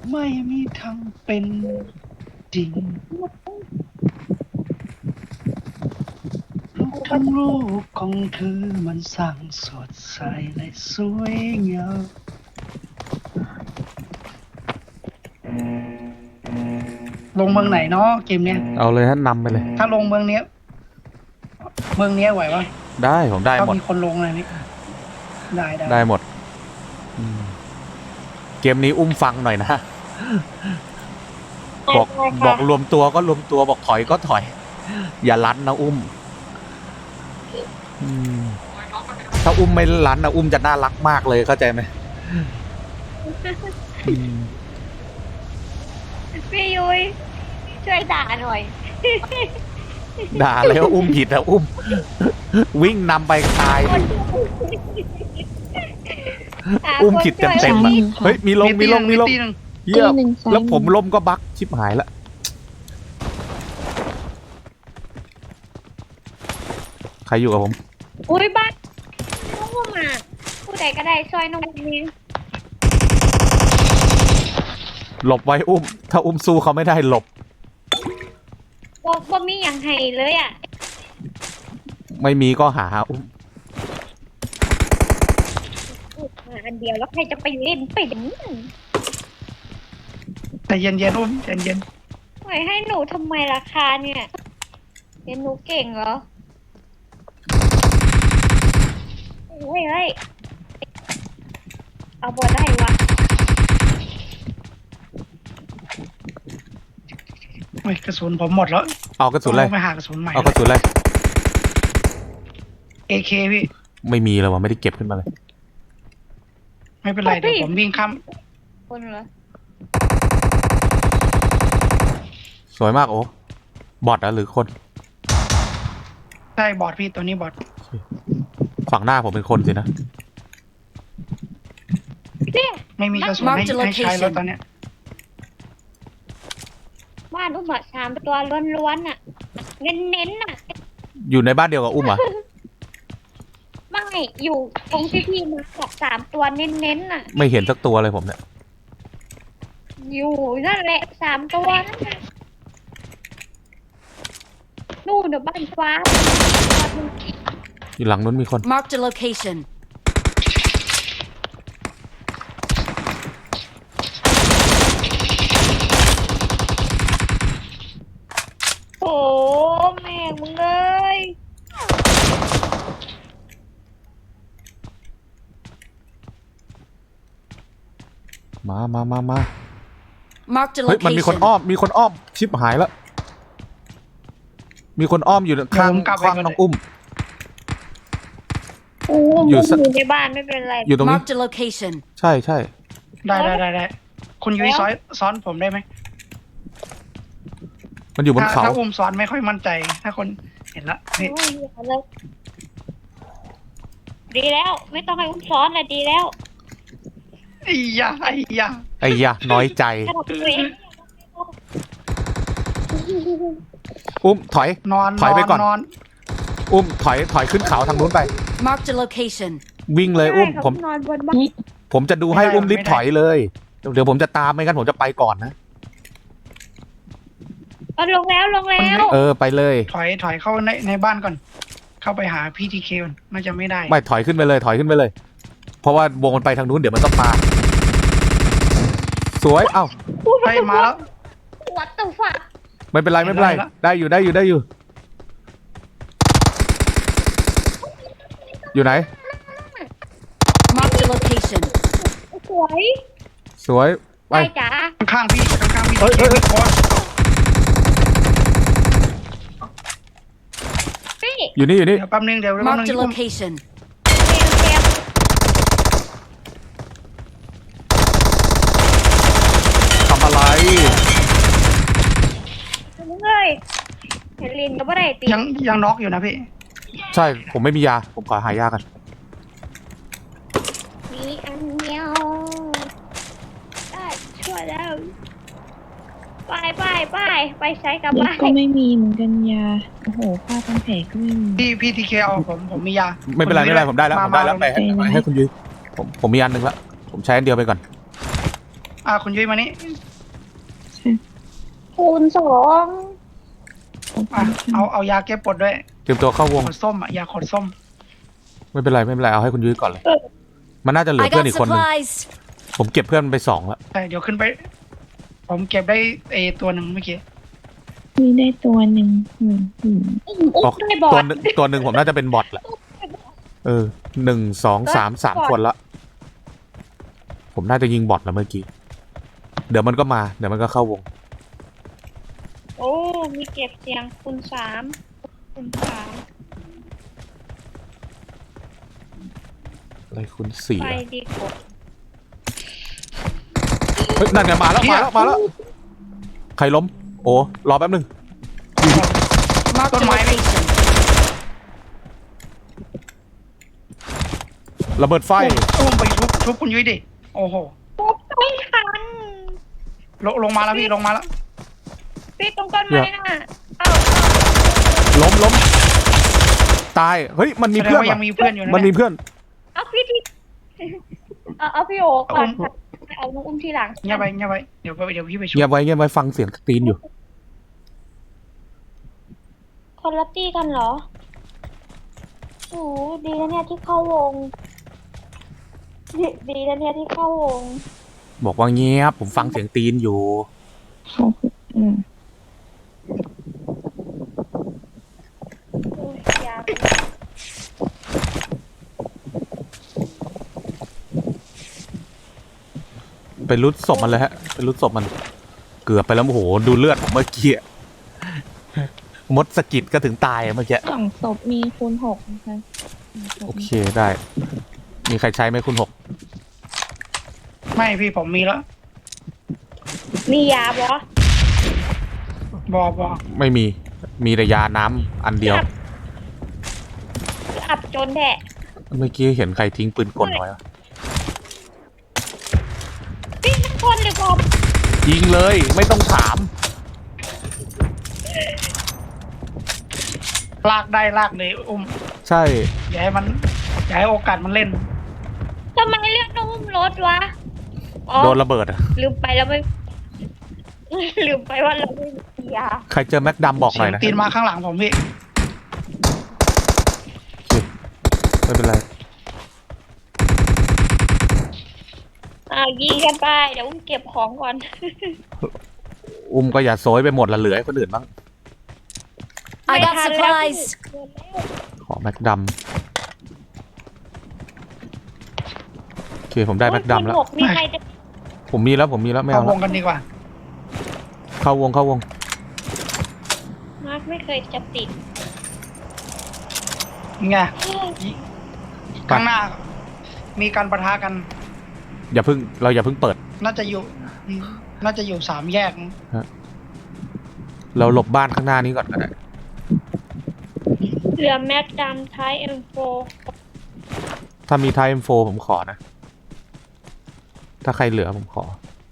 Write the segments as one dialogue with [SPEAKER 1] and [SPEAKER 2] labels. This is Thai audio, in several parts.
[SPEAKER 1] ไม่มีทางเป็นจริงรูปทั้งรูปของเธอมันสั่งสดใสและสวยงามลงเมืองไหนเนาะเกมเนี้ย
[SPEAKER 2] เอาเลยฮะนำไปเลย
[SPEAKER 1] ถ้าลงเมืองเนี้ยไหวปะ
[SPEAKER 2] ได้ผมได้หมด
[SPEAKER 1] ถ้ามีคนลงอะไรนี่
[SPEAKER 2] ได้หมดเกมนี้อุ้มฟังหน่อยนะบอกรวมตัวก็รวมตัวบอกถอยก็ถอยอย่าลั้นนะอุ้มถ้าอุ้มไม่ลั้นนะอุ้มจะน่ารักมากเลยเข้าใจไหม
[SPEAKER 3] พี่ยุ้ยช่วยด่าหน่อย
[SPEAKER 2] ด่าแล้วอุ้มผิดอะอุ้มวิ่งนำไปตายอุ้มผิดเต็มๆอะเฮ้ยมีลงเยี่ยมแล้วผมล้มก็บั๊กชิบหายละใครอยู่กับผม
[SPEAKER 3] อุ้ยบ้านน้องว่ามาผู้ใดก็ได้ช่วยน้องนี้
[SPEAKER 2] หลบไว้อุ้มถ้าอุ้มสู้เขาไม่ได้หลบ
[SPEAKER 3] บ่มีอย่างไห้เลยอ่ะ
[SPEAKER 2] ไม่มีก็หาอุ้ม
[SPEAKER 3] มาอันเดียวแล้วใครจะไปเล่นเป็น
[SPEAKER 1] แต่เย็นอุ้มเย็น
[SPEAKER 3] ปล่อยให้หนูทำไมราคาเนี่ยเรียนหนูเก่งเหรอเฮ้ยเอาบอได้วะ
[SPEAKER 1] กระสุนผมหมดแล้ว
[SPEAKER 2] เอากระสุนเลย
[SPEAKER 1] ไปหากระสุนใหม่
[SPEAKER 2] เอากระสุนเลย
[SPEAKER 1] AK พี่
[SPEAKER 2] ไม่มีแล้ววะไม่ได้เก็บขึ้นมาเลย
[SPEAKER 1] ไม่เป็นไรเดี๋ยวผมวิ่งข้าม
[SPEAKER 3] คนเหรอ
[SPEAKER 2] สวยมากโอ้บอทหรือคน
[SPEAKER 1] ใช่บอทพี่ตัวนี้บอท
[SPEAKER 2] ฝั่งหน้าผมเป็นคนสินะ
[SPEAKER 1] ไม่มีกระสุนให้ใช้แล้วตอนเนี้ย
[SPEAKER 3] บ้านอุ้ม3 ตัวล้วนๆน่ะเน้นๆน่ะ
[SPEAKER 2] อยู่ในบ้านเดียวกับอุ้มอ่ะ
[SPEAKER 3] ไม่อยู่ตรงที่พี่มากับ3 ตัวเน้นๆน่ะ
[SPEAKER 2] ไม่เห็นสักตัวเลยผมเนี่ย
[SPEAKER 3] อยู่นั่นแหละ3 ตัวนั่นแหละนู่นเดี๋ยวบ้านฟ้า
[SPEAKER 2] อยู่หลังนู้นมีคน
[SPEAKER 4] Mark the location
[SPEAKER 3] โอ้แม่มึงเลย
[SPEAKER 2] มา
[SPEAKER 4] Mark the
[SPEAKER 2] เฮ้ยมันมีคนอ้อมชิบหายแล้วมีคนอ้อมอยู่ข้างน้องอุ้ม
[SPEAKER 3] อยู่ในบ้านไม่เป็นไร
[SPEAKER 2] อยู่ตรงนี้
[SPEAKER 4] Mark the location
[SPEAKER 2] ใช่
[SPEAKER 1] ได้คุณยุ้ยซ้อนผมได้ไหม
[SPEAKER 2] มันอยู่บนเขา
[SPEAKER 1] ถ้าอุ้มซ้อนไม่ค่อยมั่นใจถ้าคนเห็นละนี่
[SPEAKER 3] ดีแล้วไม่ต้องให้อุ้มซ้อนเลยดีแล้ว
[SPEAKER 1] ไอ้ยา
[SPEAKER 2] น้อยใจอุ้มถอยไปก่อนอุ้มถอยขึ้นเขาทางนู้นไป
[SPEAKER 4] Mark the location
[SPEAKER 2] วิ่งเลยอุ้มผมจะดูให้อุ้มรีบถอยเลยเดี๋ยวผมจะตามไม่งั้นผมจะไปก่อนนะ
[SPEAKER 3] ลงแล้ว
[SPEAKER 2] ไปเลย
[SPEAKER 1] ถอยเข้าในบ้านก่อนเข้าไปหาพี่ทีเคน่าจะไม่ได้
[SPEAKER 2] ไม่ถอยขึ้นไปเลยเพราะว่าวงมันไปทางนู้นเดี๋ยวมันต้องมาสวยเอ้า
[SPEAKER 1] ไปมาแล้ว
[SPEAKER 3] วัดตัวฝัก
[SPEAKER 2] ไม่เป็นไรได้อยู่อยู่ไหน
[SPEAKER 4] Mark the location
[SPEAKER 2] สวยไป
[SPEAKER 3] จ้า
[SPEAKER 1] ข้างพี่
[SPEAKER 2] เฮ้ยอยู่นี่
[SPEAKER 1] แป๊บนึงเดี๋ยว
[SPEAKER 4] Mark the location
[SPEAKER 2] ทำอะไร
[SPEAKER 3] เฮลินก็ไม่ได้ตี
[SPEAKER 1] ยังน็อกอยู่นะพี่
[SPEAKER 2] ใช่ผมไม่มียาผมขอหายากัน
[SPEAKER 3] มีอันเดียวได้ช่วยแล้วไปใช้กับบ้าน
[SPEAKER 5] ก็ไม่มีเหมือนกันยาโอ้โหผ้าพันแผลก็ไม่มี
[SPEAKER 1] พี่ทีเคเอาผมมียา
[SPEAKER 2] ไม่เป็นไรผมได้แล้วไปให้คุณยุ้ยผมมีอันหนึ่งแล้วผมใช้อันเดียวไปก่อน
[SPEAKER 1] คุณยุ้ยมานี่
[SPEAKER 3] คูณ2
[SPEAKER 1] เอายาแก้ปวดด้วย
[SPEAKER 2] เตรียมตัวเข้าวง
[SPEAKER 1] ขดส้มยาขดส้ม
[SPEAKER 2] ไม่เป็นไรเอาให้คุณยุ้ยก่อนเลยมันน่าจะเหลือ
[SPEAKER 4] I
[SPEAKER 2] เพื่อน
[SPEAKER 4] got
[SPEAKER 2] อีกคนหนึง
[SPEAKER 4] supplies.
[SPEAKER 2] ผมเก็บเพื่อนไป2แล้ว
[SPEAKER 1] ใช่เดี๋ยวขึ้นไป ผมเก็บได้ตัวหนึ่งเมื่อกี้
[SPEAKER 5] มีได้ตัวหนึ่ง
[SPEAKER 3] ได้บอ
[SPEAKER 2] ตัว
[SPEAKER 3] ด
[SPEAKER 2] หนึ่งตัวหนึ่งผมน่าจะเป็นบอทแหละ1 2 3 3 คนละผมน่าจะยิงบอทแล้วเมื่อกี้เดี๋ยวมันก็มาเดี๋ยวมันก็เข้าวง
[SPEAKER 3] โอ้มีเก็บเสียงคูณ 3
[SPEAKER 2] อะไรคุณ4
[SPEAKER 3] ไปดีกว่า
[SPEAKER 2] เฮ้ยนั่นไงมาแล้วใครล้มโอ้รอแป๊บนึง
[SPEAKER 4] Marked a
[SPEAKER 1] Don't mind me.
[SPEAKER 4] location.
[SPEAKER 2] ระเบิดไฟ
[SPEAKER 1] อุ้มไปชุบคุณยุ้ยดิโอ้โห
[SPEAKER 3] ไม่ทัน
[SPEAKER 1] ลงมาแล้วพี่ลงมาแล้ว
[SPEAKER 3] พี่ตรงต้นไม้น่ะเอ้า
[SPEAKER 2] ล้มตายเฮ้ยมันมี
[SPEAKER 1] แสดง
[SPEAKER 2] เพื่อน
[SPEAKER 1] ว่ายังมีเพื่อนอยู่นะ
[SPEAKER 2] มันมีเพื่อน
[SPEAKER 3] เอาพี่เอาพี่โอก่อนค่ะเอาน้องอุ้มทีหลัง
[SPEAKER 1] เงียบไปเดี๋ยวพี่ไปชุบ
[SPEAKER 2] เงียบไว้ฟังเสียงตีนอยู่
[SPEAKER 3] คนละตี้กันเหรอโอ้ดีนะเนี่ยที่เข้าวงดีนะเนี่ยที่เข้าวง
[SPEAKER 2] บอกว่าเงียบผมฟังเสียงตีนอยู่
[SPEAKER 5] เขาคือ
[SPEAKER 3] โอ้ยยาก
[SPEAKER 2] ไปรุดศพมันเลยฮะไปรุดศพมันเกือบไปแล้วโอ้โหดูเลือดผมเมื่อกี้มดสะกิดก็ถึงตายเมื่อกี้
[SPEAKER 5] 2 ศพมีคูณ 6นะคะ
[SPEAKER 2] โอเคได้ มีใครใช้ไหมคุณ6
[SPEAKER 1] ไม่พี่ผมมีแล้ว
[SPEAKER 3] มียาบอ
[SPEAKER 1] บอ
[SPEAKER 2] ไม่มีแต่ยาน้ำอันเดียว
[SPEAKER 3] อับจนแดะ
[SPEAKER 2] เมื่อกี้เห็นใครทิ้งปืนกลไว้วะ
[SPEAKER 3] พี่ทั้งคนหรือกบ
[SPEAKER 2] ยิงเลยไม่ต้องถาม
[SPEAKER 1] ลากได้ลากเลยอุ้ม
[SPEAKER 2] ใช่
[SPEAKER 1] อย่าให้โอกาสมันเล่น
[SPEAKER 3] ทำไมเรียกน้องอุ้มรถวะอ๋อ
[SPEAKER 2] โดนระเบิดอะ
[SPEAKER 3] ลืมไปแล้วไม่ลืมไปว่าเราไม่มียา
[SPEAKER 2] ใครเจอแม็กดัมบอกห
[SPEAKER 1] เสี
[SPEAKER 2] น่
[SPEAKER 1] ย
[SPEAKER 2] อย
[SPEAKER 1] ง
[SPEAKER 2] นะ
[SPEAKER 1] ตีนมาข้างหลังผมพี่
[SPEAKER 2] ไม่เป็นไร
[SPEAKER 3] ยิงกันไปเดี๋ยวอุ้มเก็บของก่อน
[SPEAKER 2] อุ้มก็อย่าโซยไปหมดละเหลือให้คนอื่นบ้าง
[SPEAKER 4] I got supplies.
[SPEAKER 2] ขอแม็กดัมโอเคผมได้แม็กดัมแล้ว
[SPEAKER 3] มีใครจะ
[SPEAKER 2] ผมมีแล้วไม่
[SPEAKER 1] เอา
[SPEAKER 2] เอา
[SPEAKER 1] ว
[SPEAKER 2] แล้ว
[SPEAKER 1] งกันดีกว่า
[SPEAKER 2] เข้าวง
[SPEAKER 3] มาร์คไม่เคยจะติด
[SPEAKER 1] ไงข้างหน้า มีการปะทะกัน
[SPEAKER 2] อย่าเพิ่งเปิด
[SPEAKER 1] น่าจะอยู่3 แยก
[SPEAKER 2] เราหลบบ้านข้างหน้านี้ก่อนก็ได้
[SPEAKER 3] เหลือแม็กดำท้ายเอ็มโฟ
[SPEAKER 2] ถ้ามีไทม์โฟผมขอนะ ถ้าใครเหลือผมขอ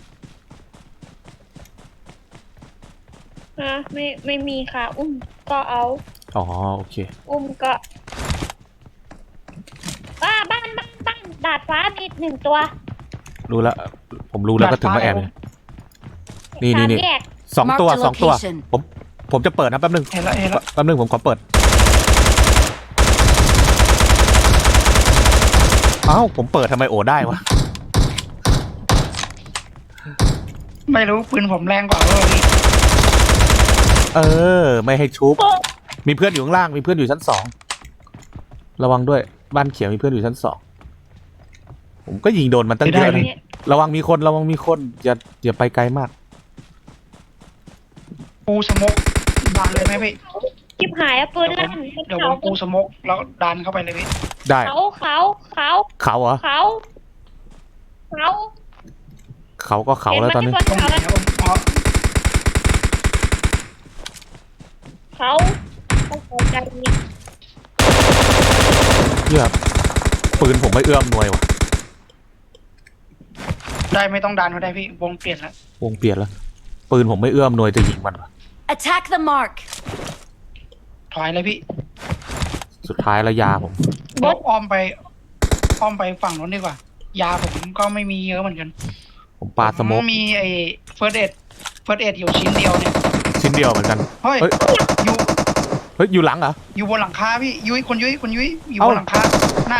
[SPEAKER 3] ไม่มีค่ะ อุ้มก็เอา
[SPEAKER 2] อ๋อโอเค
[SPEAKER 3] อุ้มก็บ้านดาดฟ้ามี1 ตัว
[SPEAKER 2] รู้แล้วผมรู้แล้วก็ถึงมาแอบเลยนี่
[SPEAKER 3] 3 แยก
[SPEAKER 2] 2 ตัว
[SPEAKER 4] Mark the
[SPEAKER 2] 2 ตัว
[SPEAKER 4] location
[SPEAKER 2] ผมจะเปิดนะแป๊บนึง
[SPEAKER 1] เห็นแล้ว
[SPEAKER 2] แป๊บนึงผมขอเปิดอ้าวผมเปิดทำไมโอได้วะ
[SPEAKER 1] ไม่รู้ปืนผมแรงกว่าพี่
[SPEAKER 2] ไม่ให้ชุบมีเพื่อนอยู่ข้างล่างมีเพื่อนอยู่ชั้น2ระวังด้วยบ้านเขียวมีเพื่อนอยู่ชั้น2ผมก็ยิงโดนมันตั้งเยอะนะระวังมีคนอย่าไปไกลมาก
[SPEAKER 1] ปูสโมกดันเลยไหมพี่
[SPEAKER 3] ชิบหายอะปืนลั่น
[SPEAKER 1] เดี๋ยวผมปูสโมกแล้วดันเข้าไปเลยพี่
[SPEAKER 2] ได้
[SPEAKER 3] เขา
[SPEAKER 2] เขาเหรอเขาก็เขาแล้วตอนนี้
[SPEAKER 1] ตรงไหนครับผมอ๋อ
[SPEAKER 3] เขาใจดี
[SPEAKER 2] เหี้ยปืนผมไม่เอื้อมหน่วยว่ะ
[SPEAKER 1] ได้ไม่ต้องดันก็ได้พี่วงเปลี่ยนแล้ว
[SPEAKER 2] วงเปลี่ยนแล้วปืนผมไม่เอื้อมหน่วยจะยิงมันว่ะ
[SPEAKER 4] Attack the mark.
[SPEAKER 1] ถอยเลยพี่
[SPEAKER 2] สุดท้ายแล้วยาผม
[SPEAKER 1] อ้อมไปฝั่งนู้นดีกว่า ยาผมก็ไม่มีเยอะเหมือนกัน
[SPEAKER 2] ผมปาสโมก
[SPEAKER 1] มีไอ้เฟิร์สเอ็ดอยู่ชิ้นเดียวเนี่ย
[SPEAKER 2] ชิ้นเดียวเหมือนกัน
[SPEAKER 1] เฮ้ย
[SPEAKER 2] เฮ้ย
[SPEAKER 1] อยู่
[SPEAKER 2] เฮ้ยอยู่หลังเหรอ
[SPEAKER 1] อยู่บนหลังคาพี่ยุ้ยคุณยุ้ยอยู่
[SPEAKER 2] เอ้า
[SPEAKER 1] บนหลังคาหน้า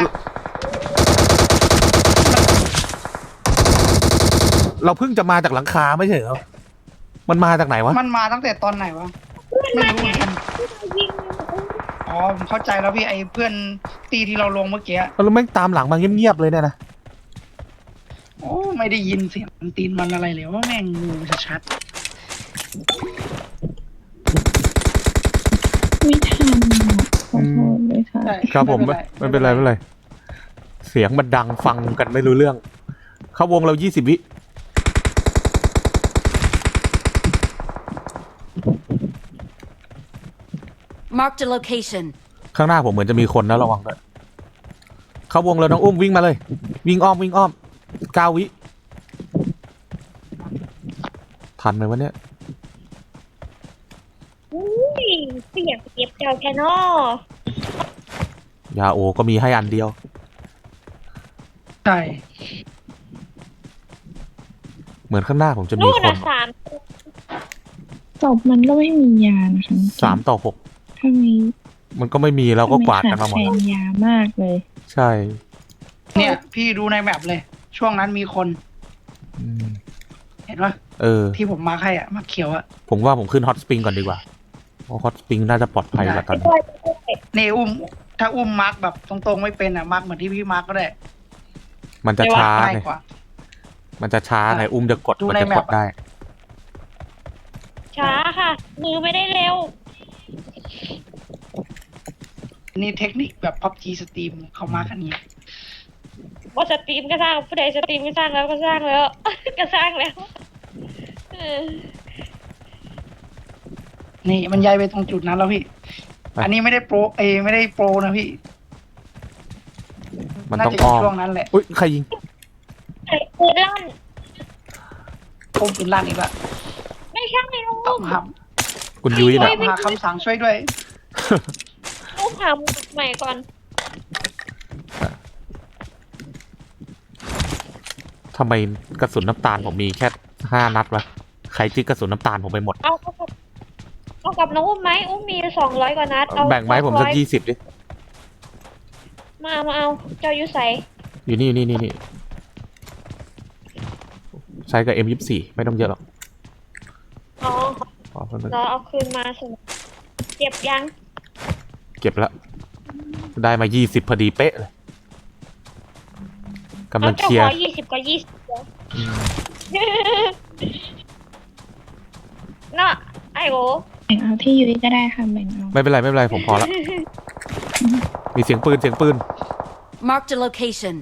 [SPEAKER 2] เราเพิ่งจะมาจากหลังคาไม่ใช่เหรอมันมาจากไหนวะ
[SPEAKER 1] มันมาตั้งแต่ตอนไหนวะไม่รู้เหมือนกัน
[SPEAKER 3] ยิง
[SPEAKER 1] อ๋อผมเข้าใจแล้วพี่ไอ้เพื่อนตีที่เราลงเมื่อกี้
[SPEAKER 2] แล้วแม่งตามหลังมาเงียบๆเลยเนี่ยนะ
[SPEAKER 1] โอ้ไม่ได้ยินเสียงตีนมันอะไรเลยว่าแม่งงูชัด
[SPEAKER 5] ไม่ทันขอโทษด้วยค่ะ
[SPEAKER 1] ๆใช่
[SPEAKER 2] ครับผมไม่เป็นไรเสียงมันดังฟังกันไม่รู้เรื่อง เข้าวงเรา20 วิ
[SPEAKER 4] Marked a location.
[SPEAKER 2] ข้างหน้าผมเหมือนจะมีคนนะระวังด้วยเข้าวงแล้วน้องอุ้มวิ่งมาเลย วิ่งอ้อม9 วิทันไหมวะเนี่ย
[SPEAKER 3] อุ้ยเสียงเก็บเจ้าแค่นอย
[SPEAKER 2] าโอก็มีให้อันเดียว
[SPEAKER 1] ใช่
[SPEAKER 2] เหมือนข้างหน้าผมจะมี
[SPEAKER 3] นู่น
[SPEAKER 2] คน
[SPEAKER 3] น่ะ3
[SPEAKER 5] ศพมันก็ไม่มียานะคะ
[SPEAKER 2] 3 ต่อ
[SPEAKER 5] ทำไม
[SPEAKER 2] 6มันก็ไม่มีเราก็กวาดกันมาหมด
[SPEAKER 5] แฟนยามากเลย
[SPEAKER 2] ใช่
[SPEAKER 1] เนี่ยพี่ดูในแมปเลย ช่วงนั้นมีคน
[SPEAKER 2] อืม
[SPEAKER 1] เห็นปะ
[SPEAKER 2] เออ
[SPEAKER 1] ที่ผมมาร์คให้อ่ะมาร์คเขียวอ่ะ
[SPEAKER 2] ผมว่าผมขึ้นฮอตสปริงก่อนดีกว่าเพราะฮอตสปริงน่าจะปลอดภัยกว่าตอนนี้
[SPEAKER 3] ด้วย
[SPEAKER 1] นี่ถ้าอุ้มมาร์คแบบตรงๆไม่เป็นอ่ะมาร์คเหมือนที่พี่มาร์คก็ได้
[SPEAKER 2] มันจะช้า
[SPEAKER 1] ง่าย
[SPEAKER 2] ไง
[SPEAKER 1] กว่า
[SPEAKER 2] มันจะช้าไงอุ้มจะกด
[SPEAKER 1] ดู
[SPEAKER 2] มัน
[SPEAKER 1] ใน
[SPEAKER 2] จะ
[SPEAKER 1] แม
[SPEAKER 2] ก
[SPEAKER 1] ป
[SPEAKER 2] ด
[SPEAKER 1] อะ
[SPEAKER 2] ได้
[SPEAKER 3] ช้าค่ะ มือไม่ได้เร็ว
[SPEAKER 1] นี่เทคนิคแบบ PUBG สตรีมเขามากันนี้
[SPEAKER 3] ว่าสตรีมก็สร้างผู้ใดสตรีมก็สร้างแล้วก็สร้างแล้ว ก็สร้างแล้วเออ
[SPEAKER 1] นี่มันย้ายไปตรงจุดนั้นแล้วพี่
[SPEAKER 2] ไป
[SPEAKER 1] อันนี้ไม่ได้โปรไม่ได้โปรนะพี่
[SPEAKER 2] มัน
[SPEAKER 1] น่า
[SPEAKER 2] ต้อง
[SPEAKER 1] จะอ
[SPEAKER 2] อ้
[SPEAKER 1] ยู่
[SPEAKER 2] อม
[SPEAKER 1] ช่วงนั้นแหละ
[SPEAKER 2] อุ้ยใครยิง
[SPEAKER 3] ปืนลั่น
[SPEAKER 1] อุ้มปืนลั่นอีกละ
[SPEAKER 3] ไม่ใช่ลู
[SPEAKER 1] ต้อก งห
[SPEAKER 2] คุณยุ้ย
[SPEAKER 1] ำ
[SPEAKER 2] นะ
[SPEAKER 1] หาคำสั่งช่วยด้วย
[SPEAKER 3] ลูกหามือใหม่ก่อน
[SPEAKER 2] ทำไมกระสุนน้ำตาลผมมีแค่5 นัดวะใครจิกกระสุนน้ำตาลผมไปหมด
[SPEAKER 3] เอากับน้องอุ้มไหมอุ้มมี200 กว่านัดเอา
[SPEAKER 2] แบ่งไม้ผมสัก
[SPEAKER 3] 200
[SPEAKER 2] 20ดิ
[SPEAKER 3] มาเอาเจ้ายุใส
[SPEAKER 2] อยู่นี่ใช้กับ M24 ไม่ต้องเยอะหรอก
[SPEAKER 3] อ๋อ
[SPEAKER 2] อ๋อเพิ่ม
[SPEAKER 3] เราเอาคืนมาสิเก็บยัง
[SPEAKER 2] เก็บแล้วได้มา20พอดีเป๊ะเลยกำลัง
[SPEAKER 3] เจ้า
[SPEAKER 2] เคลีย
[SPEAKER 3] ข
[SPEAKER 2] ร์
[SPEAKER 3] อ20 ก็ 20เดี๋ยว
[SPEAKER 2] อืม
[SPEAKER 3] เนาะไอ้โห
[SPEAKER 5] แบ่งเอาที่ยุ้ยก็ได้ค่ะแบ่งเอา
[SPEAKER 2] ไม่เป็นไรผมพอละมีเสียงปืน
[SPEAKER 4] Marked a location.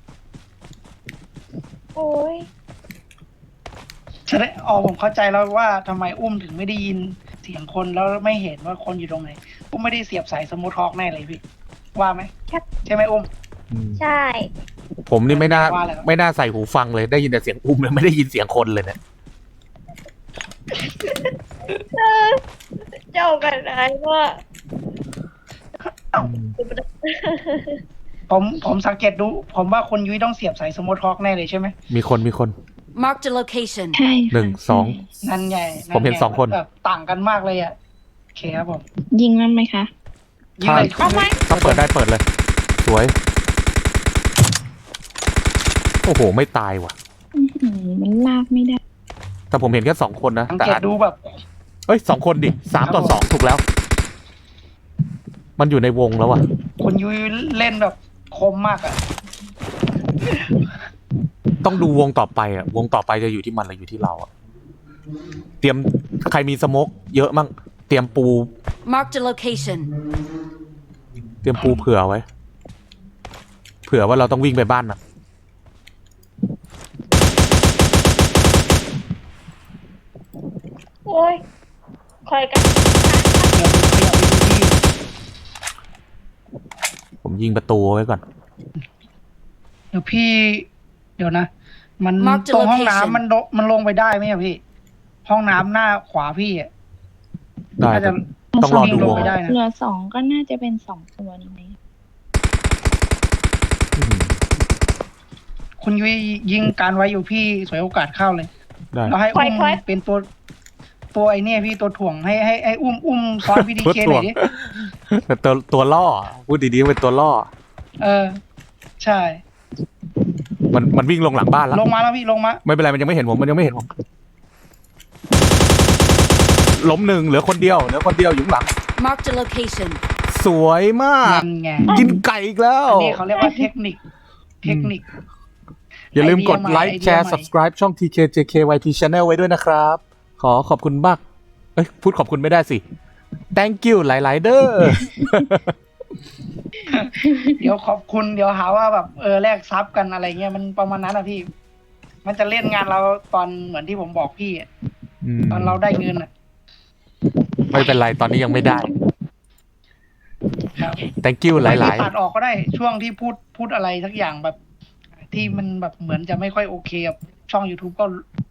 [SPEAKER 3] โอ้ย
[SPEAKER 1] จะได้ผมเข้าใจแล้วว่าทำไมอุ้มถึงไม่ได้ยินเสียงคนแล้วไม่เห็นว่าคนอยู่ตรงไหนอุ้มไม่ได้เสียบสายสมูทท็อกแน่เลยพี่ ว่าไหมใช่ไหมอุ้ม
[SPEAKER 2] อืม
[SPEAKER 3] ใช่
[SPEAKER 2] ผมนี่ไม่น่า
[SPEAKER 1] ว่าแล้ว
[SPEAKER 2] ไม่น่าใส่หูฟังเลยได้ยินแต่เสียงอุ้มเลยไม่ได้ยินเสียงคนเลยเนี่ย
[SPEAKER 3] เจ้ากันอะไรว่า
[SPEAKER 1] ผมสังเกตดู ผมว่าคนยุ้ยต้องเสียบสายสมูทท็อกแน่เลยใช่ไหม
[SPEAKER 2] มีคน
[SPEAKER 4] Marked a location.
[SPEAKER 5] ใช่ค่ะ
[SPEAKER 2] 1 2
[SPEAKER 1] นั่นไง
[SPEAKER 2] ผมเห็น2 คน
[SPEAKER 1] แบบต่างกันมากเลยอ่ะโอเคครับผม
[SPEAKER 5] ยิงมันไหมคะ
[SPEAKER 1] ยิงเลย
[SPEAKER 3] เอาไหม
[SPEAKER 2] ถ้าเปิดได้เปิดเลย สวย โอ้โห ไม่ตายว่ะ
[SPEAKER 5] อื้อหือมันลากไม่ได้
[SPEAKER 2] แต่ผมเห็นแค่2 คนนะ
[SPEAKER 1] สัง
[SPEAKER 2] แต่
[SPEAKER 1] เกตดูแบบ
[SPEAKER 2] เอ้ย2 คนดิ3 ต่อ 2 ถูกแล้ว มันอยู่ในวงแล้วอ่ะ
[SPEAKER 1] คนยุ้ยเล่นแบบคมมากอ่ะ
[SPEAKER 2] ต้องดูวงต่อไปอ่ะ วงต่อไปจะอยู่ที่มันหรืออยู่ที่เราอ่ะ เตรียมใครมีสโมกเยอะมั่งเตรียมปู
[SPEAKER 4] Marked a location.
[SPEAKER 2] เตรียมปูเผื่อไว้ เผื่อว่าเราต้องวิ่งไปบ้านนะ
[SPEAKER 3] โอ้ยคอยกัน
[SPEAKER 1] เดี๋ยวผมขยับไปดูที่
[SPEAKER 2] ผมยิงประตูไว้ก่อน
[SPEAKER 1] เดี๋ยวนะ มัน
[SPEAKER 4] Mark the
[SPEAKER 1] ตรงห้อง
[SPEAKER 4] location
[SPEAKER 1] น้ำมันลงไปได้ไหมอะพี่ ห้องน้ำหน้าขวาพี่อ่ะ
[SPEAKER 2] ได้
[SPEAKER 1] น่าจะ
[SPEAKER 2] ต้องรอดู
[SPEAKER 1] ล
[SPEAKER 2] ว
[SPEAKER 1] ง
[SPEAKER 2] ง
[SPEAKER 1] ไปได้นะ
[SPEAKER 5] เหลือ2ก็น่าจะเป็น2ตัวนี้ไหม
[SPEAKER 2] อืม
[SPEAKER 1] คุณยุ้ยยิงการไว้อยู่พี่สวยโอกาสเข้าเลย
[SPEAKER 2] ได้
[SPEAKER 1] เราให้อุ้มเป็นตัวไอเนี่ยพี่ตัวถ่วงให้อุ้มซ้อนพี่ดีเคหน่อยดิ
[SPEAKER 2] แต่ตัวล่อพูดดีๆเป็นตัวล่อ
[SPEAKER 1] ใช่
[SPEAKER 2] มันวิ่งลงหลังบ้านแล้ว
[SPEAKER 1] ลงมาแล้วพี่ลงมา
[SPEAKER 2] ไม่เป็นไรมันยังไม่เห็นผมล้มหนึ่งเหลือคนเดียวอยู่ข้างหลัง
[SPEAKER 4] Marked a location.
[SPEAKER 2] สวยมาก
[SPEAKER 1] นั่นไง
[SPEAKER 2] กินไก่อีกแล้ว
[SPEAKER 1] อันนี้เขาเรียกว่าเทคนิค
[SPEAKER 2] อย่าลืมกดไลค์
[SPEAKER 1] ไอเดียใหม่
[SPEAKER 2] แชร์ subscribe ช่อง TKJKYT Channel ไว้ด้วยนะครับ ขอบคุณมากพูดขอบคุณไม่ได้สิ thank you หลายๆเด้อ
[SPEAKER 1] เดี๋ยวขอบคุณเดี๋ยวหาว่าแบบแลกซับกันอะไรเงี้ยมันประมาณนั้นอะพี่ มันจะเล่นงานเราตอนเหมือนที่ผมบอกพี่อะตอนเราได้เงินอะ
[SPEAKER 2] ไม่เป็นไรตอนนี้ยังไม่ได้
[SPEAKER 1] ครับ
[SPEAKER 2] thank you หลาย
[SPEAKER 1] ตัดออกก็ได้ช่วงที่พูดอะไรสักอย่างแบบ ที่มันแบบเหมือนจะไม่ค่อยโอเคกับช่อง YouTube ก็